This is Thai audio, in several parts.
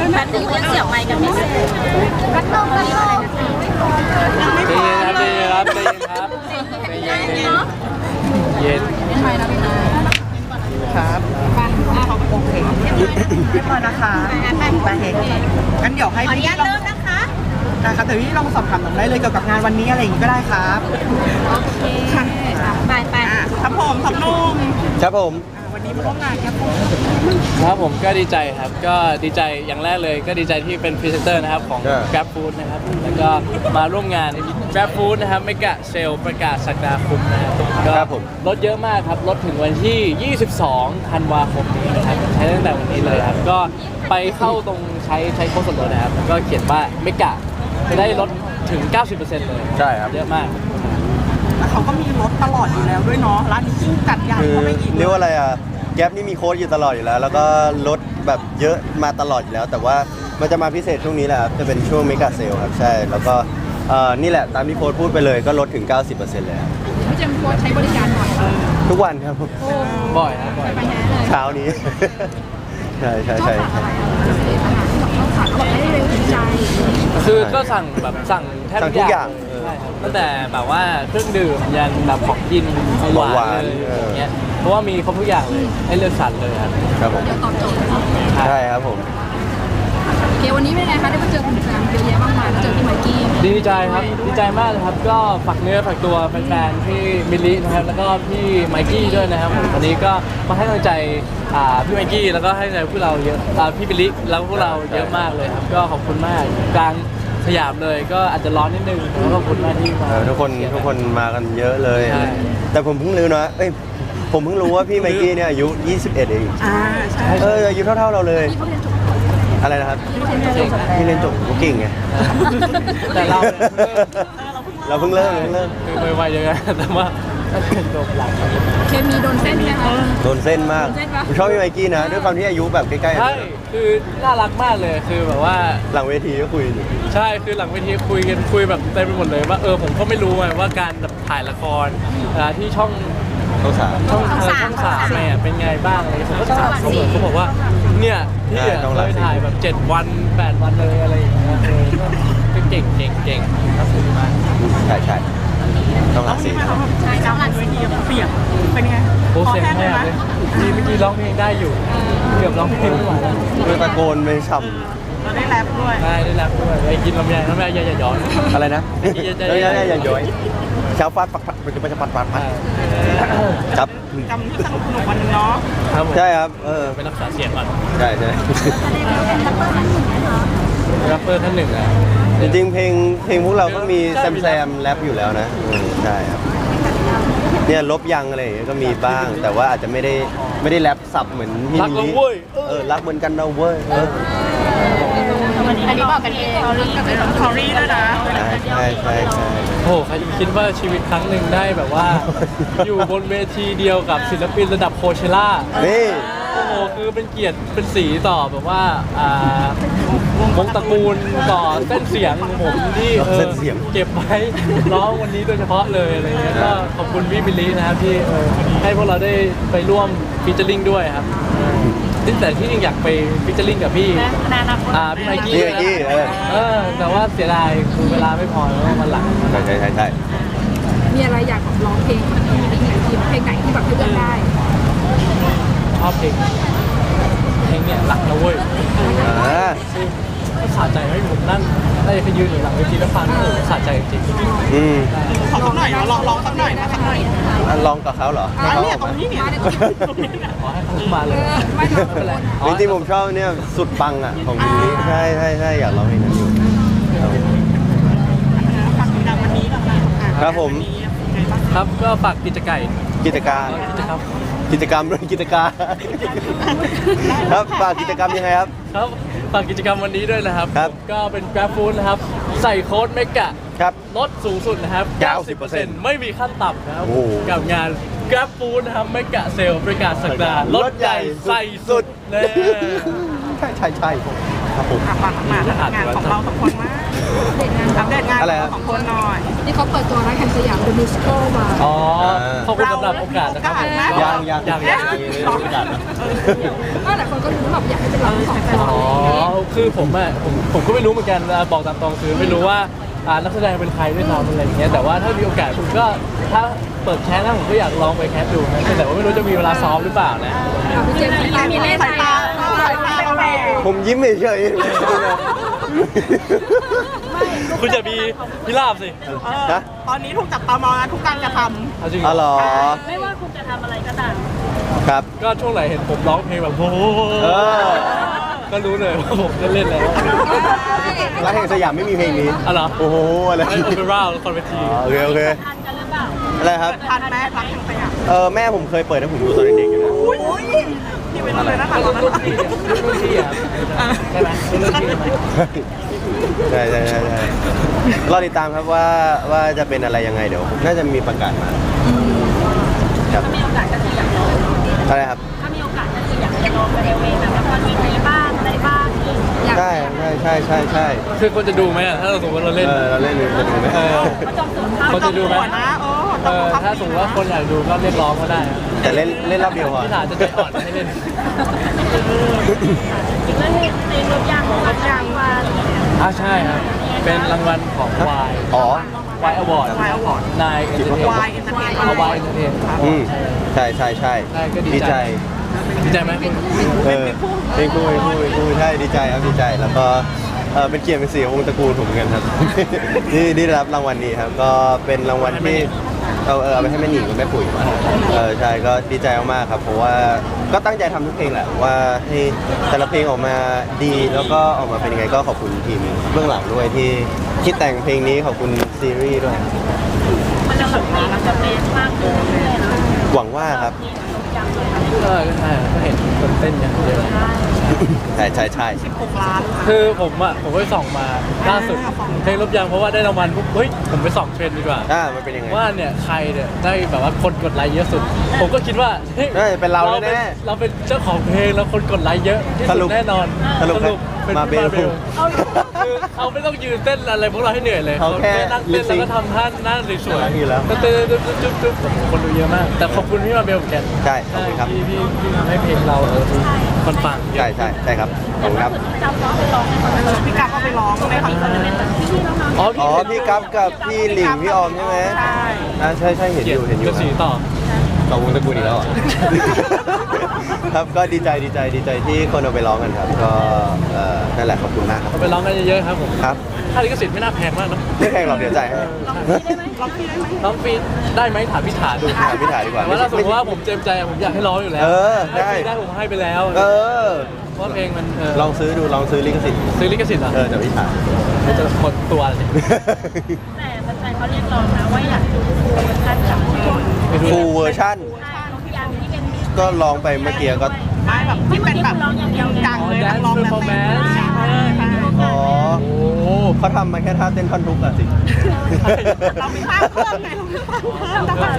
แป๊บนึงยังเสียบไมค์กันไม่เสร็จกันลงกันลงใจเย็นครับใจเย็นครับใจเย็นครับใจเย็นเย็นเป็นไมค์นะพี่นะครับโอเคเรียบร้อยนะคะไปเฮกงั้นเดี๋ยวให้ขออนุพี่ญาตลองเริ่มนะคะนะครับแต่พี่ลองสอบถามหน่อยได้เลยเกี่ยวกับงานวันนี้อะไรอย่างงี้ก็ได้ครับโอเคไปครับผมครับนุ่มครับผมวันนี้มาร่วมงานครับผมครับผมก็ดีใจครับก็ดีใจอย่างแรกเลยก็ดีใจที่เป็นพรีเซนเตอร์นะครับของ Grab Food นะครับแล้วก็มาร่วมงาน Grab Food นะครับเมกะเซลประกาศสักดาคมนะครับก็ลดเยอะมากครับลดถึงวันที่ 22 ธันวาคมนี้นะครับใช้ตั้งแต่วันนี้เลยครับก็ไปเข้าตรงใช้โค้ดส่วนลดนะครับก็เขียนว่าเมกะจะได้ลดถึง 90% เลยใช่ครับเยอะมากแล้วเขาก็มีรถตลอดอยู่แล้วด้วยเนาะร้านนี้ยิ่งจัดใหญ่คือเข้าไปอีกเรียกว่าอะไรอ่ะแก๊ปนี่มีโค้ดอยู่ตลอดอยู่แล้ว แล้วก็ลดแบบเยอะมาตลอดอยู่แล้ว แต่ว่ามันจะมาพิเศษช่วงนี้แหละครับจะเป็นช่วงเมกะเซลครับใช่แล้วก็นี่แหละตามที่โค้ดพูดไปเลยก็ลดถึง 90%เลยครับพี่เจมส์โค้ชใช้บริการบ่อยทุกวันครับบ่อยครับบ่อยไปแน่เลยเช้านี้ ใช่ใช่ชอบใช่สั่งอะไรพิเศษอาหารที่แบบชอบสั่งเขาบอกได้เร็วถึงใจคือก็สั่งแบบสั่งแทบสั่งทุกอย่างใช่ครับตั้งแต่แบบว่าเครื่องดื่มยันแบบของกินของหวานเลยอย่างเงี้ยเพราะว่ามีครบทุกอย่างเลยให้เลือกสรรเลยครับครับผมเดี๋ยวตอบโจทย์ใช่ครับผมโอเควันนี้เป็นไงคะได้มาเจอคุณแฟนเยอะแยะมากมายแล้วเจอพี่ไมค์กี้ดีใจครับดีใจมากเลยครับก็ฝากเนื้อฝากตัวแฟนๆที่มิลลินะครับแล้วก็พี่ไมกี้ด้วยนะครับผมวันนี้ก็มาให้กำลังใจพี่ไมกี้แล้วก็ให้กำลังใจพวกเราเยอะพี่มิลลิแล้วพวกเราเยอะมากเลยครับก็ขอบคุณมากกลางสยามเลยก็อาจจะร้อนนิดนึงแต่ก็ขอบคุณมากที่มาทุกคนมากันเยอะเลยใช่แต่ผมเพิ่งรู้นะผมเพิ่งรู้ว่าพี่ไมกี้เนี่ยอายุ 21 เองใช่อายุเท่าๆเราเลยพี่เขาเรียนจบอะไรนะครับเก่งพี่เรียนจบก็เก่งไงแต่เราเนี่ยเราเพิ่งเริ่มคือไวๆยังไงแต่ว่าจบหลังเคมีโดนเส้นไหมคะโดนเส้นมากโดนเส้นปะผมชอบพี่ไมกี้นะ ด้วยความที่อายุแบบใกล้ๆใช่คือน่ารักมากเลยคือแบบว่าหลังเวทีก็คุยอยู่ใช่คือหลังเวทีคุยกันคุยแบบเต็มไปหมดเลยว่าผมก็ไม่รู้ไงว่าการแบบถ่ายละครที่ช่องต้องสามช่องสามเนี่ยเป็นไงบ้างอะไรผมก็ถามเขาบอกว่าเนี่ยพี่เคยถ่ายแบบ7 วัน 8 วันเลยอะไรอย่างเงี้ยก็เก่งครับผมมากใช่ต้องหลักสี่ใช่จังหวัดเวทีเปียกเป็นไงโอ้เสียงคอแหแห้บงเลเลยยเมื่อกี้ร้องเพลงได้อยู่เกือบร้องเพลงไม่ไหวแล้วคือตะโกนไปฉ่เราได้แรปด้วยได้รับด้วยไปกินลำไยอย่าย้อนำอะไรนะอย่าย้อยเช้าฟาดปัดมันจะปัดครับจำที่สนุกวันนึงเนาะครับผมใช่ครับไปรักษาเสียงก่อนใช่แรปเปอร์ท่านหนึ่งอ่ะจริงๆเพลงพวกเราก็มีแซมแรปอยู่แล้วนะใช่ครับเนี่ยลบยังอะไรอย่างเงี้ยก็มีบ้าง แต่ว่าอาจจะไม่ได้แรปสับเหมือนมิรักนิเราเว้ยรักเหมือนกันเราเว้ยอันนี้บอกกันเองเราเรื่องกับเป็นคอรี่ด้วยนะใช่โอ้โหใครจะคิดว่าชีวิตครั้งหนึ่งได้แบบว่า อยู่บนเวทีเดียวกับศิลปินระดับโคเชล่านี่โอ้โหคือเป็นเกียรติเป็นสีต่อแบบว่าวงตระกูลต่อเส้นเสียงของผมที่เก็บไว้ร้องวันนี้โดยเฉพาะเลยอะไรเงี้ยก็ขอบคุณพี่บิลลี่นะครับที่ให้พวกเราได้ไปร่วมฟีเจอริ่งด้วยครับแต่ที่จริงอยากไปฟีเจอริ่งกับพี่พี่ไมกี้พี่ไมกี้แต่ว่าเสียดายคือเวลาไม่พอแล้วมันหลังใช่มีอะไรอยากร้องเพลงที่มีทีมเพลงไหนที่แบบให้เลือกได้ชอบเพลงเนี่ยหลักนะเว้ยสะใจให้ผมนั่นได้ไปยืนอยู่หลังเวทีแล้วฟังสะใจจริงขอสักหน่อยนะลองสักหน่อยนะสักหน่อยลองกับเขาเหรอเนี่ยตรงนี้เนี่ยขอให้เขามาเลยไม่หรอกไม่เป็นไรจริงๆผมชอบเนี่ยสุดปังอ่ะของมิลลี่ใช่อยากร้องเพลงนั้นอยู่ฝากติดตามวันนี้ก่อนนะครับผมครับก็ฝากกิจการกิจการกิจกรรมด้วยกิจการครับฝากกิจกรรมยังไงครับครับฝากกิจกรรมวันนี้ด้วยนะครับครับก็เป็น Grab Food นะครับใส่โค้ดเมกะครับลดสูงสุดนะครับ 90% ไม่มีขั้นต่ำนะครับโอ้โหกับงาน Grab Food นะครับเมกะเซลประกาศสักดาลดใหญ่ใส่สุดแน่ใช่ครับผมฝากมางานของเราสองคนมากอัปเดตงานของสองคนหน่อยนี่เขาเปิดตัวร้านแห่งสยามเดอะมิวสิคลมาอ๋อขอบคุณสำหรับโอกาสนะครับผมยังยังก็หลายคนก็รู้แบบอยากให้เป็นร้านของอ๋อคือผมก็ไม่รู้เหมือนกันบอกตามตรงคือไม่รู้ว่านักแสดงเป็นใครด้วยซ้ำอะไรอย่างเงี้ยแต่ว่าถ้ามีโอกาสผมก็ถ้าเปิดแคสนะผมก็อยากลองไปแคสดูนะแต่ว่าไม่รู้จะมีเวลาซ้อมหรือเปล่านะพี่เจมส์มีเล่นไหมผมยิ้มเฉยคุณจะมีพิราบสิๆนะตอนนี้ถูกจับตามองทุกการกระทเอาจริงอ๋อเหรอไม่ว่าคุณจะทำอะไรก็ตามครับก็ช่วงไหนเห็นผมร้องเพลงแบบโอ้โหเออก็รู้เลยว่าผมจะเล่นแล้วร้านแห่งสยามไม่มีเพลงนี้อ๋อเหรอโอ้โหอะไรไอโอเปร่าคอนเวทีอ๋อโอเคโอเคทันกันหรือเปล่าอะไรครับำทันแม่รักยังไงอ่ะแม่ผมเคยเปิดให้ผมดูตอนเด็กๆอยู่นะอุ้ยนี่เป็นเลยนะก็รุ่นพี่รุ่นพี่อ่ะใช่ไหมรุ่นพี่ไหมใช่ใช่ใช่ใช่รอติดตามครับว่าจะเป็นอะไรยังไงเดี๋ยวน่าจะมีประกาศมาครับถ้ามีโอกาสก็คืออยากลองอะไรครับถ้ามีโอกาสก็คืออยากจะลองไปเองแบบละครเวทีบ้างอะไรบ้างนี่ใช่ใช่ใช่ใช่ใช่คือคนจะดูไหมอ่ะถ้าเราสมมติเราเล่นเราเล่นจะดูไหมเขาจองตั๋วเข้าคนจะดูไหมนะถ้าสมมติว่าคนอยากดูก็เรียกร้องก็ได้แต่เล่นรอบเดียวพอพี่ถาจะใจอ่อนให้เล่นอีกเรื่องนึงในรถยางของรถยางมาใช่ครับเป็นรางวัลของ Y อ๋อ Y Award วายอวอร์ดนายเอนเตอร์เทนวายเอนเตอร์เทนเอา Y Entertain อืมใช่ใช่ใช่ใช่ก็ดีดีใจใจดีใจไหมเป็นคู่ใช่ดีใจครับดีใจแล้วก็เป็นเกียรติเป็นสีของวงตระกูลผมเหมือนกันครับ ที่ได้รับรางวัลนี้ครับก็เป็นรางวัลที่เอาไปให้แม่หนิงกับแม่ปุ๋ยมาใช่ก็ดีใจมากๆครับเพราะว่าก็ตั้งใจทำทุกเพลงแหละว่าให้แต่ละเพลงออกมาดีแล้วก็ออกมาเป็นยังไงก็ขอบคุณทีมเบื้องหลังด้วยที่คิดแต่งเพลงนี้ขอบคุณซีรีส์ด้วยมันจะแบบมีมันจะเป็นมากขึ้นเรื่อยๆนะหวังว่าครับนี่รถยางเลยก็ใช่ก็เห็นคนเต้นกันเยอะใช่ใช่ใช่ 6 ล้านคือผมไปส่องมาล่าสุดเพลงลบยางเพราะว่าได้รางวัลปุ๊บเฮ้ยผมไปส่องเทรนด์ดีกว่ามันเป็นยังไงว่าเนี่ยใครเนี่ยได้แบบว่าคนกดไลค์เยอะสุด ผมก็คิดว่าเฮ้ยเป็นเราแน่เราเป็นเจ้าของเพลงแล้วคนกดไลค์เยอะที่สสุรุดปแน่นอนสรุปเป็นมาเบลคือเขาไม่ต้องยืนเต้นอะไรพวกเราให้เหนื่อยเลยเขาแค่นั่งเต้นแล้วก็ทำท่าหน้าสวยอยู่แล้วก็เต้นจุ๊บคนดูเยอะมาก แต่ขอบคุณพี่มาเบลเหมือนกันใช่ขอบคุณครับที่ทำให้เพลงเราคนฟังเยอะใช่ใช่ครับขอบคุณครับจำร้องไปร้องในคอนเสิร์ตพี่กั๊กก็ไปร้องในคอนเสิร์ตพี่น้องอ๋ออ๋อพี่กัฟกับพี่หลิงพี่ออมใช่ไหมใช่ใช่เห็นอยู่เห็นอยู่กระสีต่อต่อวงตระกูลอีกแล้วเหรอ ครับก็ดีใจที่คนเอาไปร้องกันครับก็นั่นแหละขอบคุณมากครับไปร้องกันเยอะๆครับผมครับค่าลิขสิทธิ์ไม่น่าแพงมากเนอะไม่แพงหรอกเดี๋ยวจ่ายให้ร้องฟรีได้ไหมถามพี่ถาดูถามพี่ถาดีกว่าแต่ว่าถ้าสมมติว่าผมเต็มใจผมอยากให้ร้องอยู่แล้วได้ได้ผมให้ไปแล้ว เพราะว่าเพลงมันลองซื้อดูลองซื้อลิขสิทธิ์ซื้อลิขสิทธิ์เหรอเดี๋ยวพี่ถาจะหมดตัวเลยแต่แฟนๆเขาเรียกร้องนะว่าอยากดูฟูลเวอร์ชันกับทุกคนฟูลเวอร์ชั่นรถยางที่เป็นก็ร้องไปเมื่อกี้ก็ไม่แบบที่เป็นแบบจังเลยนักร้องแล้วเต้นใช่อ๋อโอ้เขาทำมาแค่ท่าเต้นท่อนทุกอะสิเรามีภาพเพิ่มไงเรามีภาพเพิ่มนะคะ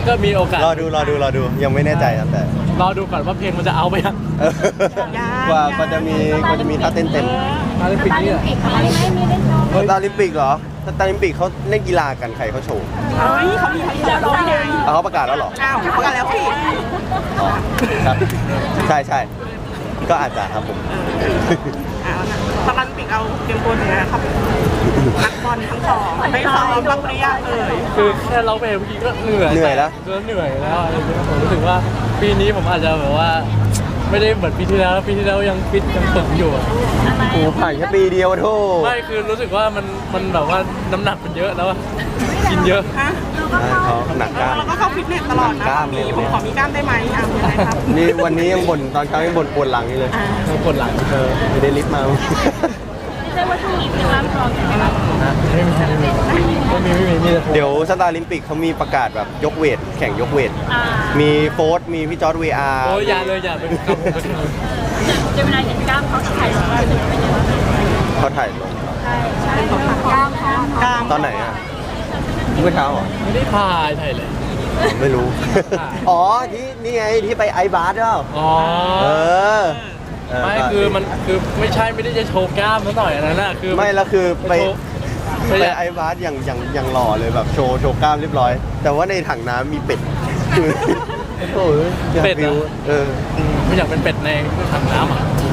ก็มีโอกาสรอดูยังไม่แน่ใจครับแต่รอดูก่อนว่าเพลงมันจะเอาไปยังกว่าจะมีท่าเต้นเต็มมาในปีนี้อะอะไรไหมมีได้ชมสตาร์ลิมปิกเหรอสตาร์ลิมปิกเขาเล่นกีฬากันใครเขาโชว์เฮ้ยเขามีแล้วร้องไงเขาประกาศแล้วเหรออ้าวเขากันแล้วพี่อ๋อครับใช่ก็อาจจะครับผมตอนปิกเอาเตรียมตัวเหนือครับนักบอลทั้งสองได้ซ้อมรับปริญญาเลยคือแค่ร้องเพลงเมื่อกี้ก็เหนื่อยเหนื่อยแล้วก็เหนื่อยแล้วอะไรอย่างเงี้ยผมรู้สึกว่าปีนี้ผมอาจจะแบบว่า ไม่ได้เหมือนปีที่แล้วปีที่แล้วยังฟิตยังฝึกอยู่อะโอ้ผ่านแค่ปีเดียวโทษไม่คือรู้สึกว่ามันแบบว่าน้ำหนักมันเยอะแล้วอะกินเยอะฮะเขาหนักกล้ามเราก็เข้าฟิตเนสตลอดนะผมขอมีกล้ามได้ไหมอ่ะยังไงครับนี่วันนี้ยังบ่นตอนเช้ายังบ่นปวดหลังอยู่เลยปวดหลังไม่ได้ลิฟต์มาไม่ใช่ว่าช่วงนี้เป็นร้านรองอย่างเงี้ยนะไม่มีแต่ผมเดี๋ยวสตาร์ลิมปิกเขามีประกาศแบบยกเวทแข่งยกเวท มีโฟร์มีพี่จอร์ดวีอาร์โอ้ยอย่าเลยอย่าเป็นกำลังเจมินายเห็นกล้ามเขาถ่ายลงมาเป็นยังไงบ้างเขาถ่ายลงใช่ของกล้ามเขากล้ามตอนไหนอ่ะเมื่อเช้าเหรอไม่ได้ถ่ายเลยไม่รู้ อ๋อที่นี่ไงที่ไปไอบาร์เปล่าอ๋อเออไม่คือมันคือไม่ได้จะโชว์กล้ามซะหน่อยอันนั้นน่ะคือไม่แล้วคือไปไปไปไอบาร์อย่างหล่อเลยแบบโชว์กล้ามเรียบร้อย แต่ว่าในถังน้ำมีเป็ดโอ้ยอยากเป็ดฟิวไม่อยากเป็นเป็ดในถังน้ำอ่ะ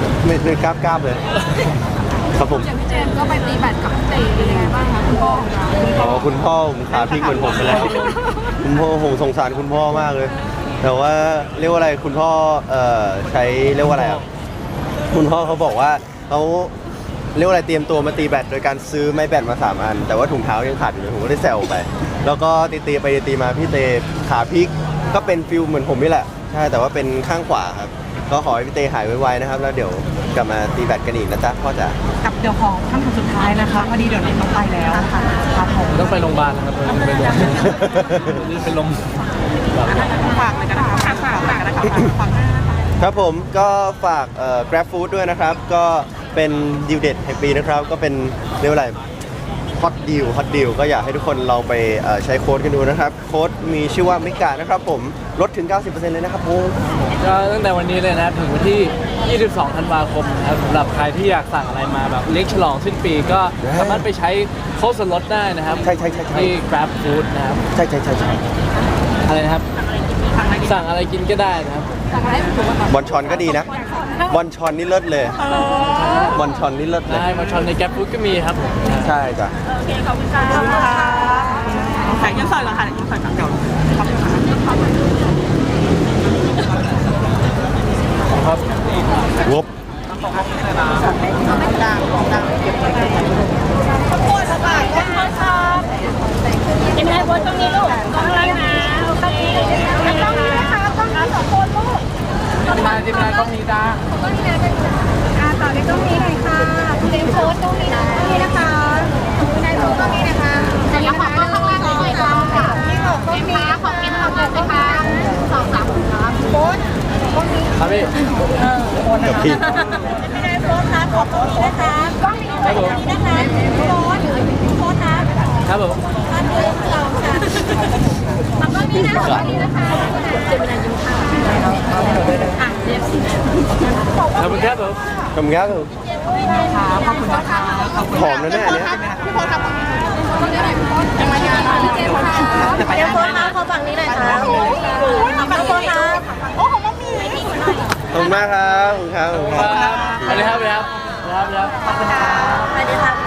ไม่กล้าบเลย ครับผมอย่างพี่เจมส์ก็ไปตีแบดกับพี่เตเป็นยังไงบ้างคะคุณพ่อของเราอ๋อคุณพ่อผมขาพลิกเหมือนผมไปแล้ว คุณพ่อผมสงสารคุณพ่อมากเลย แต่ว่าเรียกว่าอะไรคุณพ่อใช้เรียกว่าอะไรอ่ะคุณพ่อเขาบอกว่าเขาเรียกว่าอะไรเตรียมตัวมาตีแบดโดยการซื้อไม้แบดมา3 อัน แต่ว่าถุงเท้ายังขาดอยู่เลยผมก็ได้แซวไป แล้วก็ตีไปตีมาพี่เตขาพลิกก็เป็นฟิลเหมือนผมนี่แหละใช่แต่ว่าเป็นข้างขวาครับก็ขอให้พี่เตหายไวๆนะครับแล้วเดี๋ยวกลับมาตีแบดกันอีกนะจ๊ะพ่อจ๋ากับเดี๋ยวของขั้นตอนสุดท้ายนะคะพอดีเดี๋ยวนี้ต้องไปแล้วครับผมต้องไปโรงพยาบาลนะครับไปโรงพยาบาลนี่เป็นลมฝากเลยกันนะคะฝากเลยกันนะคะฝากหน้านะคะครับผมก็ฝากGrab Food ด้วยนะครับ ก็เป็นดีลเด็ดแห่งปีนะครับ ก็เป็นเรียกว่าอะไรฮอตดีลก็อยากให้ทุกคนลองไปใช้โค้ดกันดูนะครับ โค้ดมีชื่อว่ามิกะนะครับผมลดถึง 90% เลยนะครับผมก็ตั้งแต่วันนี้เลยนะครับถึงวันที่ 22 ธันวาคมนะครับสำหรับใครที่อยากสั่งอะไรมาแบบเลี้ยงฉลองสิ้นปีก็สามารถไปใช้โค้ดส่วนลดได้นะครับใช่ที่ Grab Food นะครับใช่อะไรนะครับ สั่งอะไรกินก็ได้นะครับสั่งอะไรให้ถูกกันบอลชอนก็ดีนะบอลชอนนี่เลิศเลยบอลชอนนี่เลิศเลยได้มาชอนใน Grab Food ก็มีครับผมใช่จ้ะโอเคขอบคุณค่ะขอบคุณค่ะแต่ยังสอยก่อนค่ะยังสอยก่อนเดี๋ยวขอบคุณค่ะครับวบยังไงบนตรงนี้ลูกตรงนี้นะโอเคต้องนี้นะคะต้องนี้2 คนลูกทีมงานก็มีจ้าต่อในตรงนี้หน่อยค่ะเต็มโพสตรงนี้นะตรงนี้นะคะในโพสตรงนี้นะคะจะยังขอข้างล่างหน่อยค่ะนี่ขอตรงนี้ขอกินทำเลยนะคะ2 3ครับโพสตรงนี้ครับพี่กับพี่ไม่ได้โพสครับขอตรงนี้นะคะกล้องนี้ตรงนี้นะคะโพสโพสนะครับผมตอนนี้เราค่ะตรงนี้นะตรงนี้นะคะเจ็บเวลายิ้มค่ะอ่ะเรียบขอบคุณครับผมขอบคุณครับขอบคุณนะคะขอบคุณหอมนะเนี่ยอันเนี้ยพี่พลครับคนนี้ไหนพี่พ่อจะมางานพี่เจมส์ค่ะเดี๋ยวไปเดี๋ยวนะโพสนะขอฝั่งนี้หน่อยค่ะโอ้ยขอบคุณนะโอ้ของมัมมี่ขอบคุณมากครับขอบคุณครับสวัสดีครับสวัสดีครับสวัสดีครับสวัสดีค่ะ